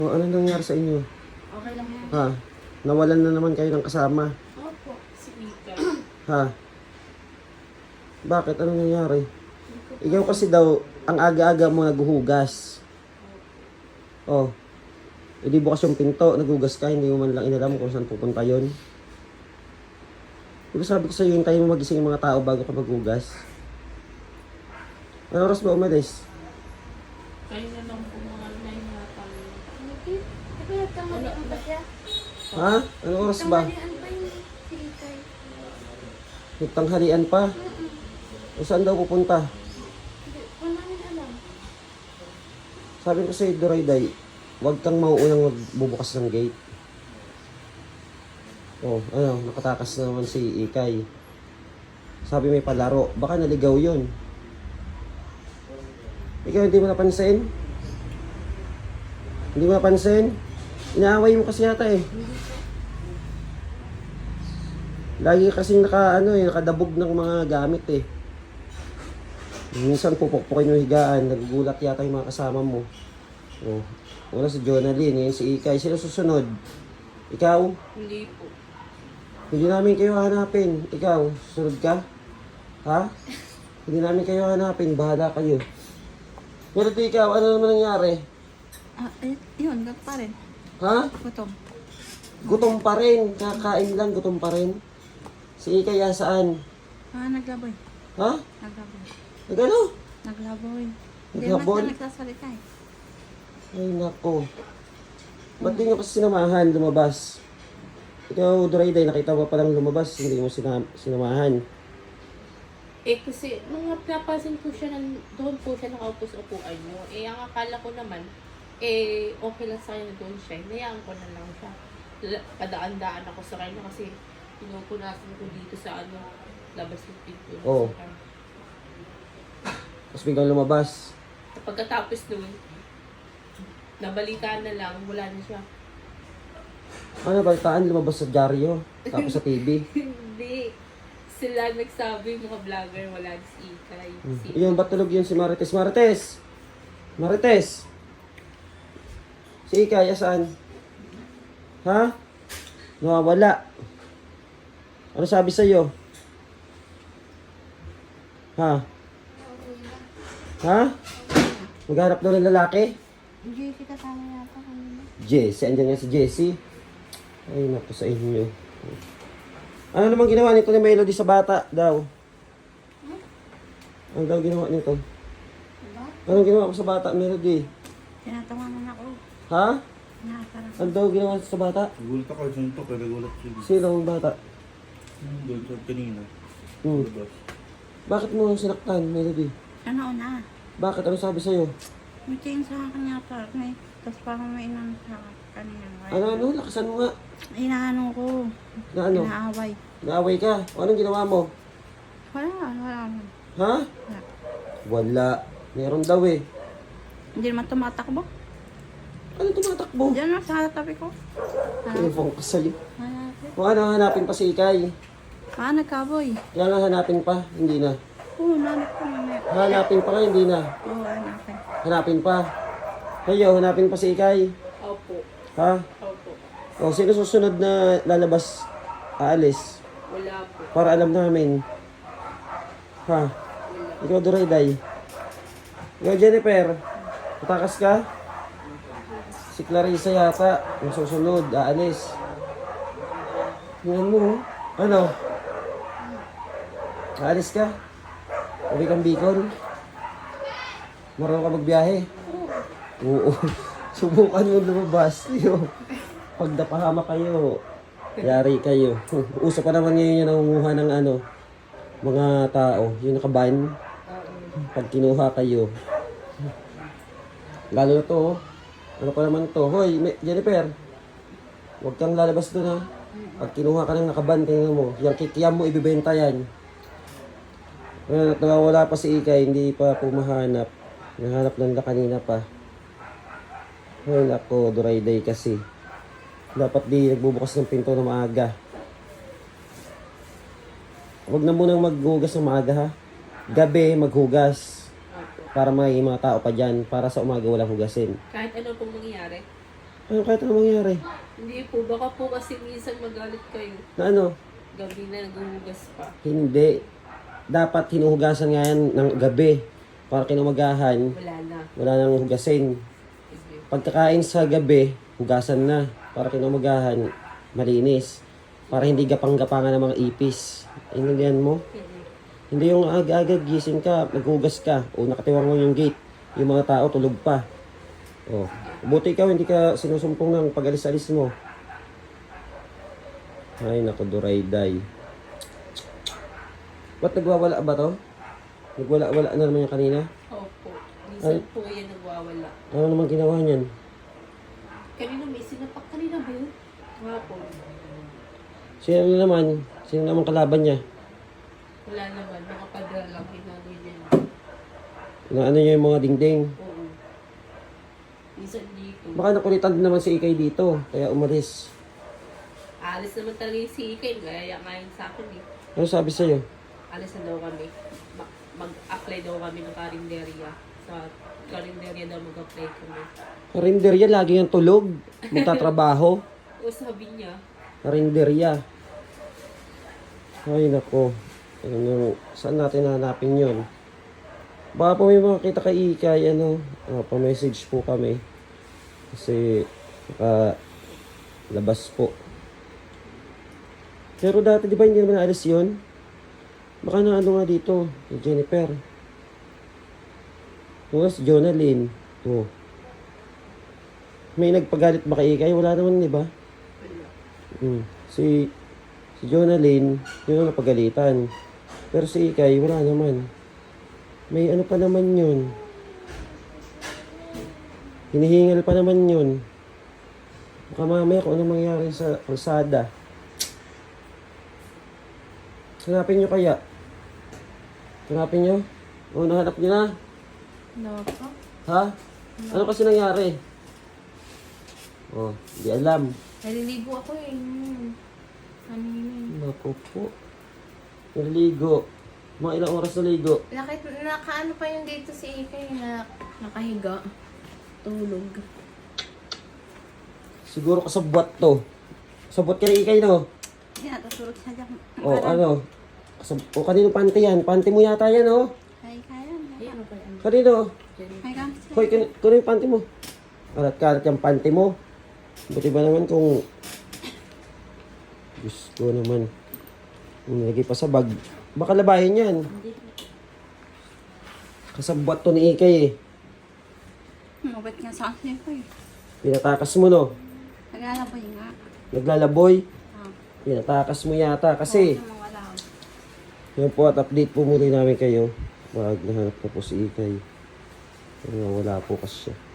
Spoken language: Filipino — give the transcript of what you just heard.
Ano nangyari sa inyo? Okay lang yan. Ha? Nawalan na naman kayo ng kasama. Opo, si Mika. Ha? Bakit? Ano nangyari? Ikaw kasi daw, ang aga-aga mo naghuhugas. Oh. E di bukas yung pinto, naghugas ka, hindi mo man lang inalam kung saan pupunta yun. Diba sabi ko sa'yo, hintayin mo magising yung mga tao bago ka maghugas? Ano oras ba umalis? Kayo na lang po mga 9 yata. Nagkamalian ba siya? Ha? Ano oras ba? Nagkamalian ba yung silikay? Nagtanghalian pa? O saan daw pupunta? Hindi ko namin alam. Sabi ko sa'yo, Dorayday, huwag kang mauunang magbubukas ng gate. Oh, ano, nakatakas na naman si Ikay. Sabi may palaro, baka naligaw yun. Ikaw hindi mo napansin? Hindi mo napansin? Inaaway mo kasi yata eh. Lagi kasing nakadabog ng mga gamit eh. Minsan pupukpukin yung higaan, nagugulat yata yung mga kasama mo. Oh, wala si Jonalyn, yun si Ikay. Sino susunod? Ikaw? Hindi po. Hindi namin kayo hanapin. Ikaw, susunod ka? Ha? Hindi namin kayo hanapin, bahala kayo. Pero ikaw, ano naman nangyari? Yun, gag pa rin. Ha? Gutom. Gutom pa rin. Kakain lang, gutom pa rin. Si Ikay, saan? Naglaboy. Ha? Naglaboy. Nagano? Naglaboy. Hindi Naghabol? naman siya nagsasalita eh. Ay, nako. Ba't di nyo kasi sinamahan, lumabas? Ikaw, Dorayday, nakita mo palang lumabas, hindi mo sinamahan. Eh kasi, nung napapansin ko siya, doon po siya nakaupo sa upuan niyo. Eh, ang akala ko naman, okay lang sa kanya na doon siya. Hinayaan ko na lang siya. Padaan-daan ako sa kanya kasi pinupunasan ko dito sa labas ng pinto. Oo. Tapos biglang lumabas. Pagkatapos nun, nabalitaan na lang, wala na siya. Ano, balitaan, lumabas sa dyaryo, tapos sa TV. Hindi. Sila nagsabi, mga vlogger, wala si Ikay. Iyon, ba't tulog yun si Marites? Marites! Marites! Si Ikay, saan? Ha? Nawawala. Ano sabi sa'yo? Ha? Ha? Maghanap daw ng lalaki? Jessie kasama yata kanina. Jessie, andyan nga si Jessie. Ay, naku sa inyo. Ano namang ginawa nito ni Melody sa bata daw? Ano daw ginawa nito? Diba? Anong ginawa ko sa bata, Melody? Tinatawanan ako. Ha? Nakasarap. Ano daw ginawa sa bata? Nagulat ako sa ito, kaya nagulat siya. Sino ang bata? Doon sa kanina. Hmm. Labas. Bakit mo sinaktan, Melody? Ano na? Bakit? Ano sabi sa'yo? May tingin sa akin yata. Tapos parang may inang sa kanina. Ano? Lakasan mo nga. Inaano ko. Na ano? Inaaway. Naaway ka? O anong ginawa mo? Wala. Ha? Wala. Meron daw eh. Hindi naman tumatakbo. Ano tumatakbo? Diyan na sa tabi ko. Telephone ko sa'yo. Hanapin. Kung ano, hanapin pa si Ikay. Nagkaboy. Kaya nga hanapin pa, hindi na. Oo, nanap ko mamaya. Hanapin pa ka, hindi na. Oo, hanapin. Hanapin pa. Kayo, hanapin pa si Ikay. Opo. Ha? Opo. O, sino susunod na lalabas? Aalis. Wala po. Para alam namin. Ha? Ikaw, Dorayday. Ikaw, Jennifer. Patakas ka? Si Clarissa yata. Ang susunod, aalis. Tingnan mo. Ano? Aalis ka? Uwi kang Bicol? Marunong ka magbiyahe? Oo. Subukan mo lumabas. Pag napahama kayo, yari kayo. Uso pa naman ngayon yung nangunguha ng mga tao. Yung nakaban. Pag kinuha kayo. Lalo na to, oh. Ano pa naman to? Hoy, Jennifer. Huwag kang lalabas doon ha. Pag kinuha ka ng nakaban, tingnan mo. Yung kikiyam mo, ibibenta yan. At nawawala pa si Ikay, hindi pa pumahanap. Nahanap lang na kanina pa. Ay nako, Dorayday kasi. Dapat di nagbubukas ng pinto na maaga. Huwag na munang maghugas ng maaga ha. Gabi maghugas. Para may mga tao pa dyan. Para sa umaga walang hugasin. Kahit ano pong mangyayari. Ano kahit ano mangyari? Hindi po, baka po kasi minsan magalit kayo. Na ano? Gabi na naghuhugas pa. Hindi. Dapat hinuhugasan nga yan ng gabi. Para kinumagahan, Wala na. wala nang hugasin. Sige. Pagkakain sa gabi, hugasan na. Para kinumagahan, malinis. Para hindi gapang-gapangan ng mga ipis. Intindihan mo? Hindi. Hindi yung aga-aga gising ka, maghugas ka, o nakatiwang mo yung gate. Yung mga tao tulog pa. Oh. Buti ikaw, hindi ka sinusumpong ng pag-alis-alis mo. Ay, naku, Durayday. Ba't nagwawala ba to? Nagwala-wala na naman yung kanina? Opo. Minsan po yan nagwawala. Ano naman ginawa niyan? Kanina may sinapak kanina ba yun? Hapon. Sino naman? Sino naman kalaban niya? Wala naman. Mga padra lang. Hinagay niya. Ano niya yung mga dingding? Oo. Minsan dito. Baka nakulitan din naman si Ikay dito, kaya umalis. Alis naman talaga yung si Ikay. Gaya ngayon sa akin eh. Ano sabi sa'yo? Alis na daw kami. Mag-apply daw kami ng karinderya. Sa karinderya daw mag-apply kami. Karinderya, lagi yung tulog. Magtatrabaho. O sabi niya, Karinderya. Ay, nako. Ano, saan natin hanapin yun? Baka po may makakita kay Ikay, pa-message po kami. Kasi, labas po. Pero dati, di ba hindi naman naalis yun? Baka na ano nga dito, si Jennifer. O, si Jonalyn. O. May nagpagalit ba kay Ikay? Wala naman, di ba? wala. Si Jonalyn, yun ang napagalitan. Pero si Ikay, wala naman. May ano pa naman yun. Hinihingal pa naman yun. Baka mamaya kung ano mangyari sa kalsada. Hanapin nyo kaya? Hanapin nyo? O, nahanap nyo na? Ano po? Ha? Ano kasi nangyari? Oh, di alam. Naliligo ako eh. Kanina. Naku po. Naligo. Mga ilang oras naligo. Nakaano pa yung dito si Ikay na nakahiga. Tulog. Siguro kasabwat to. Kasabwat ka ni Ikay, no? Yan, tutulog siya dyan. O, ano? O, kanino panty yan? Panty mo yata yan, no? Ay, kaya. Ay, ano ba yan? Kanino? Ay, kaya. Hoy, kuno yung panty mo. Karat-karat yung panty mo. Buti ba naman kung... Diyos ko naman. Nilagay pa sa bag. Baka labahin yan. Kasabwat to ni Ikay eh. Mabait nga sa akin ko eh. Pinatakas mo, no? Naglalaboy nga. Naglalaboy. Ah. Pinatakas mo yata kasi. Oo, wala. Yan po at update po muli namin kayo. Wag nahanap na po si Ikay. Wala po kasi siya.